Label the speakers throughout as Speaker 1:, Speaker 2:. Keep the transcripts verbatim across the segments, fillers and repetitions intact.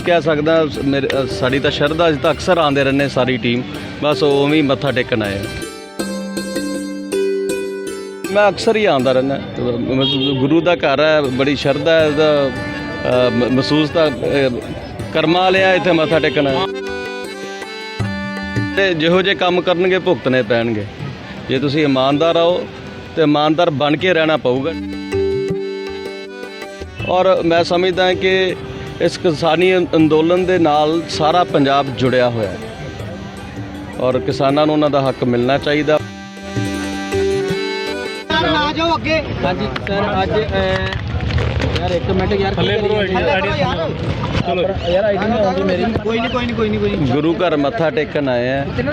Speaker 1: कह सकदा मेरे साड़ी तां शरधा असीं तां अक्सर आंदे रहने सारी टीम बस उवें ही मत्था टेकन आए हैं। मैं अक्सर ही आंदा रहना गुरु का घर है बड़ी शरधा है दा महसूस तां कर्मा वाले इत्थे मत्था टेकन आए ते जिहो जे काम करनगे भुगतने पैणगे। जे तुसीं ईमानदार आओ तो ईमानदार बन के रहना पऊगा। और मैं समझदा कि इस किसानी अंदोलन दे नाल सारा पंजाब जुड़िया होया है और किसानां नूं उन्हां दा हक मिलना चाहिए।
Speaker 2: हाँ जी सर अज यार एक मिनट यार चलो यार आईडी नहीं आउंदी मेरी कोई नहीं कोई नहीं कोई नहीं कोई नहीं
Speaker 1: गुरु घर मत्था टेकन आए हैं।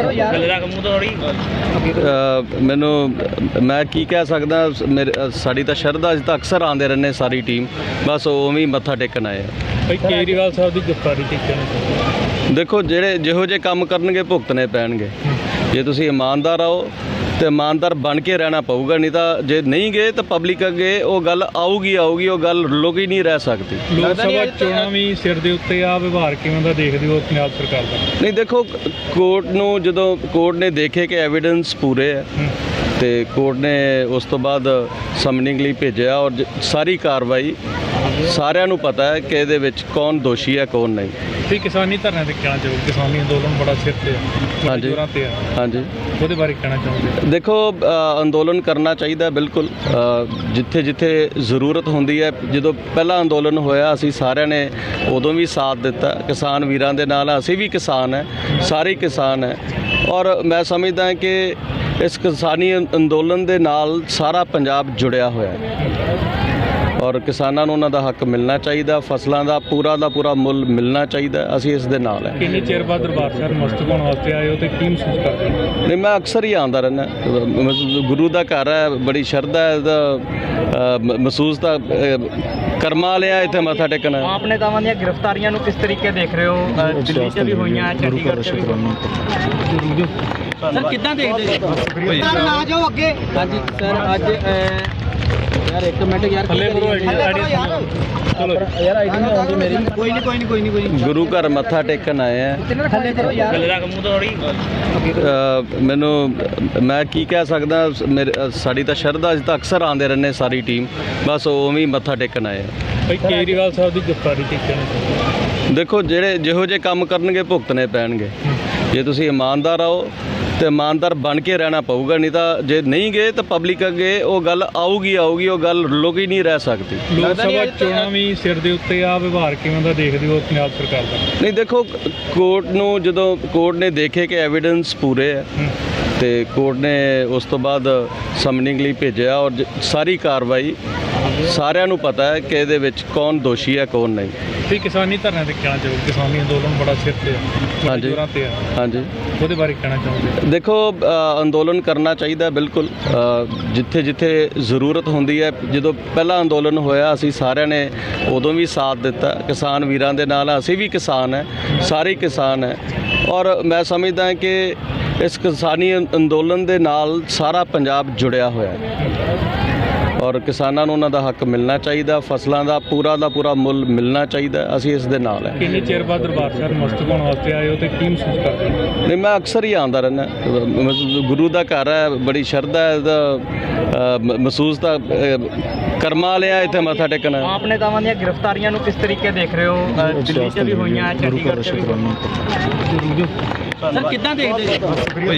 Speaker 1: मैनू मैं की कह सकदा मेरे साड़ी तां शरधा असीं तां अक्सर आंदे रहने सारी टीम बस उवें ही मत्था टेकन आए हैं।
Speaker 3: भाई केजरीवाल साहब की गिरफ्तारी टिकन
Speaker 1: देखो जेड़े जिहो जे काम करनगे भुगतने पैणगे। जे तुसीं ईमानदार आओ तो ईमानदार बन के रहना पऊगा नहीं तो जे नहीं गए तो पब्लिक अगे वो गल आऊगी आऊगी वो गल लुक ही नहीं रह सकती।
Speaker 3: लोक सभा चोणां भी सिर दे उत्ते आ व्यवहार किवें दा देखदे हो पंजाब सरकार दा?
Speaker 1: नहीं देखो कोर्ट नूं जदों कोर्ट ने देखे कि एविडेंस पूरे है तो कोर्ट ने उस तो बाद समनिंग लई भेजिया और ज- सारी कार्रवाई सारिਆਂ ਨੂੰ पता है कि ਇਹਦੇ ਵਿੱਚ कौन दोषी है कौन नहीं।
Speaker 3: ਤੇ ਕਿਸਾਨੀ ਧਰਨੇ ਤੇ ਕਹਿਣਾ ਚਾਹੋ ਕਿਸਾਨੀ ਅੰਦੋਲਨ ਬੜਾ ਸਿਰ ਤੇ ਆ
Speaker 1: ਹਾਂਜੀ।
Speaker 3: ਜੋਰਾਂ ਤੇ ਆ
Speaker 1: हाँ जी
Speaker 3: ਉਹਦੇ ਬਾਰੇ ਕਹਿਣਾ ਚਾਹੋਗੇ?
Speaker 1: देखो अ, अंदोलन करना चाहिए बिल्कुल अ, जिथे जिथे ਜ਼ਰੂਰਤ ਹੁੰਦੀ ਹੈ। ਜਦੋਂ ਪਹਿਲਾ ਅੰਦੋਲਨ ਹੋਇਆ ਅਸੀਂ ਸਾਰਿਆਂ ਨੇ ਉਦੋਂ ਵੀ ਸਾਥ ਦਿੱਤਾ ਕਿਸਾਨ ਵੀਰਾਂ ਦੇ ਨਾਲ। ਅਸੀਂ ਵੀ ਕਿਸਾਨ ਹੈ ਸਾਰੇ ਹੀ ਕਿਸਾਨ ਹੈ ਔਰ ਮੈਂ ਸਮਝਦਾ ਕਿ ਇਸ ਕਿਸਾਨੀ ਅੰਦੋਲਨ ਦੇ ਨਾਲ ਸਾਰਾ ਪੰਜਾਬ ਜੁੜਿਆ ਹੋਇਆ ਹੈ और किसानां नूं उन्हां दा हक मिलना चाहिए। फसलों का पूरा का पूरा मुल मिलना चाहिए। असीं इस दे नाल है।
Speaker 3: ਕਿੰਨੇ ਚਿਰ ਬਾਅਦ ਦਰਬਾਰ ਸਾਹਿਬ ਮਸਤਕ ਹੋਣ ਵਾਸਤੇ ਆਏ ਹੋ ਤੇ ਕੀ ਮਹਿਸੂਸ ਕਰਦੇ ਹੋ?
Speaker 1: नहीं मैं अक्सर ही आंदा रहना गुरु का घर है बड़ी शरधा है दा महसूस तां कर्मा वाले इत्थे मत्था टेकन आए।
Speaker 2: आप नेतावां ਦੀਆਂ ਗ੍ਰਿਫਤਾਰੀਆਂ ਨੂੰ ਕਿਸ ਤਰੀਕੇ ਦੇਖ ਰਹੇ ਹੋ? ਅ, ਦਿੱਲੀ 'ਚ ਵੀ ਹੋਈਆਂ ਚੰਡੀਗੜ੍ਹ 'ਚ ਵੀ ਸਰ ਕਿੱਦਾਂ ਦੇਖਦੇ ਜੀ? ਆ ਜਾਓ ਅੱਗੇ। हाँ जी सर अज यार एक मिनट यार
Speaker 3: ਥੱਲੇ ਕਰੋ ਆਈਡੀ ਆਈਡੀ ਚਲੋ
Speaker 2: यार आईडी नहीं आउंदी मेरी कोई नहीं कोई नहीं कोई नहीं कोई नहीं
Speaker 1: गुरु घर मत्था टेकन आए हैं।
Speaker 2: थल्ले करो यार
Speaker 1: अ, मैनू मैं की कह सकदा मेरे साड़ी तां शरधा असीं तां अक्सर आंदे रहने सारी टीम बस उवें ही मत्था टेकन आए हैं।
Speaker 3: ਭਾਈ ਕੇਜਰੀਵਾਲ ਸਾਹਿਬ ਦੀ गिरफ्तारी टिकन
Speaker 1: देखो जेड़े जिहो जे काम करनगे भुगतने पैणगे। जे तुसीं ईमानदार आओ तो ईमानदार बन के रहना पऊगा नहीं तो जे नहीं गए तो पब्लिक अगे वो गल आऊगी आऊगी वो गल लुक ही नहीं रह सकती।
Speaker 3: ਲੋਕ ਸਭਾ ਚੋਣਾਂ ਵੀ ਸਿਰ ਦੇ ਉੱਤੇ ਆ ਵਿਵਹਾਰ ਕਿਵੇਂ ਦਾ ਦੇਖਦੇ ਹੋ ਪੰਜਾਬ ਸਰਕਾਰ ਦਾ?
Speaker 1: नहीं देखो कोर्ट नूं जदों कोर्ट ने देखे कि एविडेंस पूरे है तो कोर्ट ने उस तो बाद समनिंग लई भेजिया और ज- सारी कार्रवाई सारिਆਂ ਨੂੰ पता है कि ਇਹਦੇ ਵਿੱਚ कौन दोषी है कौन नहीं।
Speaker 3: ਤੇ ਕਿਸਾਨੀ ਧਰਨੇ ਤੇ ਕਹਿਣਾ ਚਾਹੋ ਕਿਸਾਨੀ ਅੰਦੋਲਨ ਬੜਾ ਸਿਰ ਤੇ ਆ
Speaker 1: ਹਾਂਜੀ।
Speaker 3: ਜੋਰਾਂ ਤੇ ਆ
Speaker 1: हाँ जी
Speaker 3: ਉਹਦੇ ਬਾਰੇ ਕਹਿਣਾ ਚਾਹੋਗੇ?
Speaker 1: देखो अ, अंदोलन करना चाहिए बिल्कुल अ, जिथे जिथे ਜ਼ਰੂਰਤ ਹੁੰਦੀ ਹੈ। ਜਦੋਂ ਪਹਿਲਾ ਅੰਦੋਲਨ ਹੋਇਆ ਅਸੀਂ ਸਾਰਿਆਂ ਨੇ ਉਦੋਂ ਵੀ ਸਾਥ ਦਿੱਤਾ ਕਿਸਾਨ ਵੀਰਾਂ ਦੇ ਨਾਲ। ਅਸੀਂ ਵੀ ਕਿਸਾਨ ਹੈ ਸਾਰੇ ਹੀ ਕਿਸਾਨ ਹੈ ਔਰ ਮੈਂ ਸਮਝਦਾ ਕਿ ਇਸ ਕਿਸਾਨੀ ਅੰਦੋਲਨ ਦੇ ਨਾਲ ਸਾਰਾ ਪੰਜਾਬ ਜੁੜਿਆ ਹੋਇਆ ਹੈ और किसानां नूं उन्हां दा हक मिलना चाहिए। फसलों का पूरा का पूरा मुल मिलना चाहिए। असीं इस दे नाल है।
Speaker 3: ਕਿੰਨੇ ਚਿਰ ਬਾਅਦ ਦਰਬਾਰ ਸਾਹਿਬ ਮਸਤਕ ਹੋਣ ਵਾਸਤੇ ਆਏ ਹੋ ਤੇ ਕੀ ਮਹਿਸੂਸ ਕਰਦੇ ਹੋ?
Speaker 1: नहीं मैं अक्सर ही आंदा रहना गुरु का घर है बड़ी शरधा है दा महसूस तां कर्मा वाले इत्थे मत्था टेकन आए।
Speaker 2: आप नेतावां ਦੀਆਂ ਗ੍ਰਿਫਤਾਰੀਆਂ ਨੂੰ ਕਿਸ ਤਰੀਕੇ ਦੇਖ ਰਹੇ ਹੋ? ਅ, ਦਿੱਲੀ 'ਚ ਵੀ ਹੋਈਆਂ ਚੰਡੀਗੜ੍ਹ 'ਚ ਵੀ ਸਰ ਕਿੱਦਾਂ ਦੇਖਦੇ ਜੀ?